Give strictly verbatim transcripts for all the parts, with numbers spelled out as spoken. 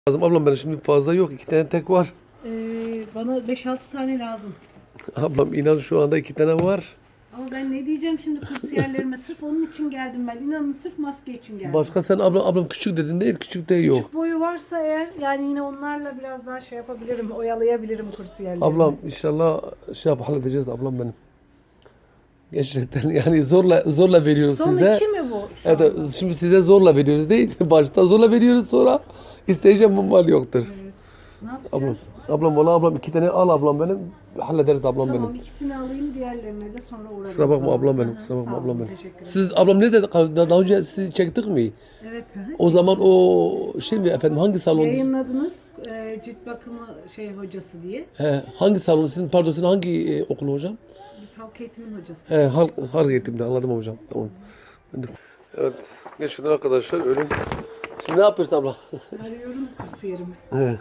Lazım ablam, benim şimdi fazla yok, iki tane tek var. Ee, bana beş altı tane lazım. Ablam inan şu anda iki tane var. Ama ben ne diyeceğim şimdi kursiyerlerime, sırf onun için geldim ben. İnanın sırf maske için geldim. Başka sen ablam, ablam küçük dedin değil, küçük de yok. Küçük boyu varsa eğer yani yine onlarla biraz daha şey yapabilirim, oyalayabilirim kursiyerlerimi. Ablam inşallah şey yap, halledeceğiz ablam benim. Gerçekten yani zorla zorla veriyoruz Son size. iki mi bu şu Evet, anda? şimdi size zorla veriyoruz değil. Başta zorla veriyoruz, sonra isteyeceğim bu mal yoktur. Evet. Ne yapacağız? Ablam, ablam valla ablam iki tane al ablam benim. Hallederiz ablam Tamam, benim. ikisini alayım, diğerlerine de sonra uğrarım. Kusura bakma Sonra. ablam benim, Aha, kusura bakma sağ olun, ablam benim. teşekkür ederim. Siz ablam ne dedi? Daha önce sizi çektik mi? Evet. aha, O zaman o şey mi efendim, hangi salon? Yayınladınız e, cilt bakımı şey hocası diye. He, hangi salon sizin, pardon sizin hangi e, okulu hocam? Biz halk eğitimin hocası. He, halk, halk eğitimde, anladım hocam. Tamam. Ben de- Evet, geçin arkadaşlar, ölün. Şimdi ne yapıyorsun abla? Arıyorum kursiyerimi. He.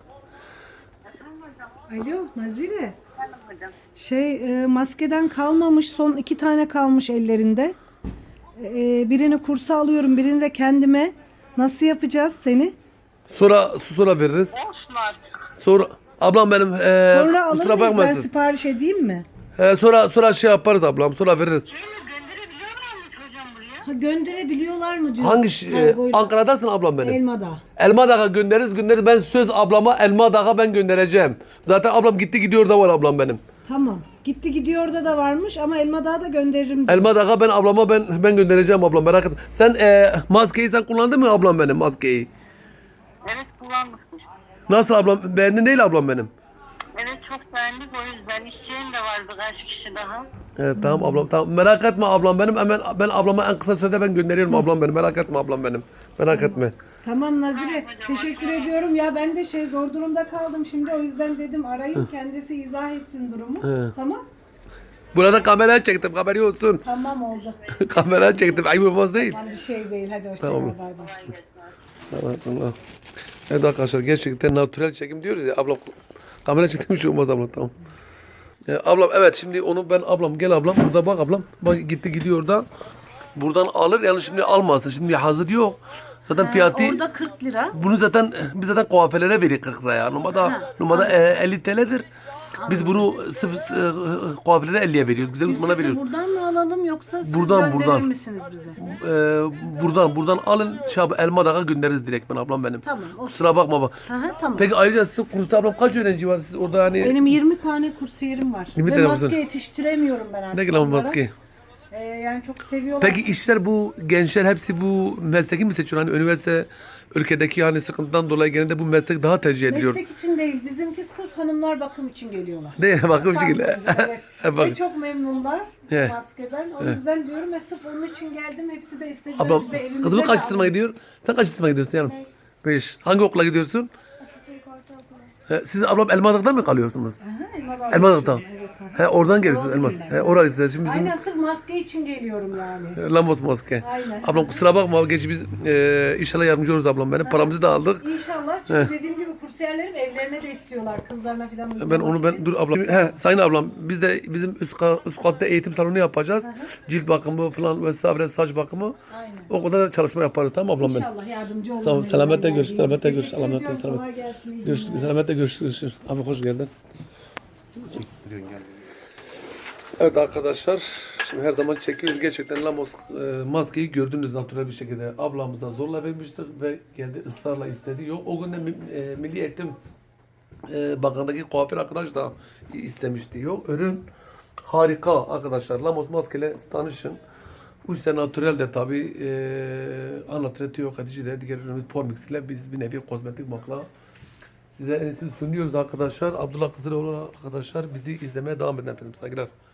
Alo Nazire. Şey e, maskeden kalmamış, son iki tane kalmış ellerinde. E, birini kursa alıyorum, birini de kendime. Nasıl yapacağız seni? Sonra sonra veririz. Olsun artık. Sonra ablam benim e, Sonra alır kusura mıyız? Ben bakmasın. sipariş edeyim mi? He, sonra sonra şey yaparız ablam, sonra veririz. Şeyi gönderebiliyorlar mı hocam buraya? Ha, gönderebiliyorlar mı diyor. Hangi ş- e, Kargoyla. Ankara'dasın ablam benim. Elmada. Elma Dağı göndeririz, göndeririz. Ben söz ablama Elma Dağı ben göndereceğim. Zaten ablam gitti gidiyor da var ablam benim. Tamam. Gitti gidiyor da da varmış ama Elmadağ'a da gönderirim diyor. Elma Dağı ben ablama ben ben göndereceğim ablam, merak etme. Sen e, maskeyi sen kullandın mı ablam benim maskeyi? Evet, kullanmışmış. Nasıl ablam, beğendin değil ablam benim? Evet, çok beğendik, o yüzden isteyen de vardı kaç kişi daha. Evet tamam ablam, tamam, merak etme ablam benim, hemen ben ablama en kısa sürede ben gönderiyorum ablam benim, merak etme ablam benim, merak etme. Tamam Nazire, teşekkür ediyorum. Ya ben de şey zor durumda kaldım şimdi, o yüzden dedim arayayım, kendisi izah etsin durumu. Tamam? Burada kamera çektim, haberi olsun. Tamam oldu. Kamera çektim, ayıp olmaz değil. Yani bir şey değil. Hadi hoşça Tamam. kal. Bay bay. Evet, Allah. Evet arkadaşlar, gerçekten natürel çekim diyoruz ya ablam, kamera çektim hiç olmaz ablam, tamam. Ee, ablam evet, şimdi onu ben ablam, gel ablam burada bak ablam, bak gitti gidiyor da buradan alır, yani şimdi almasın, şimdi hazır yok zaten fiyatı. Orada kırk lira. Bunu zaten biz zaten kuaförlere veriyoruz kırk liraya. Normalde normalde e, elli T L'dir. Biz bunu sıfır e, kuaförlere elliye veriyoruz. Güzel Biz uzmana şimdi veriyoruz. buradan mı alalım yoksa siz Buradan, gönderir buradan. misiniz bize? E, buradan buradan alın. Şab Elma Dağı göndeririz direkt, ben ablam benim. Tamam. O... Kusura bakma bak. Aha, tamam. Peki ayrıca siz kursta ablam kaç öğrenci var siz orada hani? Benim yirmi tane kursiyerim var. yirmi Ve tane maske kursiyer. yetiştiremiyorum ben artık Ne kadar onlara. maske? Ee, yani çok seviyorlar. Peki işler, bu gençler hepsi bu mesleki mi seçiyor? Hani üniversite ülkedeki hani sıkıntıdan dolayı genelde bu meslek daha tercih ediliyor. Meslek için değil. Bizimki sırf hanımlar bakım için geliyorlar. Değil mi? Bakın Bakar şekilde. mısın? Evet. Bak. Ve çok memnunlar He. maskeden. O yüzden diyorum ya, sırf onun için geldim. Hepsi de istediler Ablam bize evimize kızımı de kaç alın. sınıfa gidiyor? Sen kaç sınıfa gidiyorsun yanım? Beş. Beş. Hangi okula gidiyorsun? Atatürk Ortaokulu. He, siz ablam Elmadağ'da mı kalıyorsunuz? Aha, Elmadağ Elmadağ'da. yaşıyorum, evet, aha. He, oradan geliyorsunuz Elma. Oralıyım ben. He, oralısınız. Şimdi bizim Aynen, sırf maske için geliyorum yani. Lambos maske. Aynen. Ablam kusura bakma, geç biz e, inşallah yardımcı oluruz ablam benim. Paramızı da aldık. İnşallah, çünkü dediğim gibi kursiyerlerim evlerine de istiyorlar. Kızlarına falan Ben uygulamak onu ben için. dur ablam. He, sayın ablam, biz de bizim üst, ka- üst katta eğitim salonu yapacağız. Cilt bakımı falan vesaire, saç bakımı. Aynen. O kadar da çalışma yaparız, tamam ablam benim. İnşallah yardımcı olurum. Sağ ol, elimden selametle görüş, geldiğince. selametle görüş, Teşekkür selametle, ediyorum, selametle. kolay gelsin, iyi Görüşürüz, günler. selametle görüşürüz. Abi hoş geldin. Evet arkadaşlar, şimdi her zaman çekiyoruz. Gerçekten Lamos e, maskeyi gördünüz natürel bir şekilde. Ablamıza zorla vermiştik ve geldi ısrarla istedi. Yok, o gün de mi- e, Milli Eğitim e, Bakanı'ndaki kuaför arkadaş da istemişti. Yok, ürün harika arkadaşlar. Lamos maskeyle tanışın. Bu ise natürel de tabi e, anatüreti yok edici de, diğer ürünümüz Pormix ile biz bir nevi kozmetik makla size en iyisini sunuyoruz arkadaşlar. Abdullah Kızıloğlu arkadaşlar, bizi izlemeye devam edin efendim. Saygılar.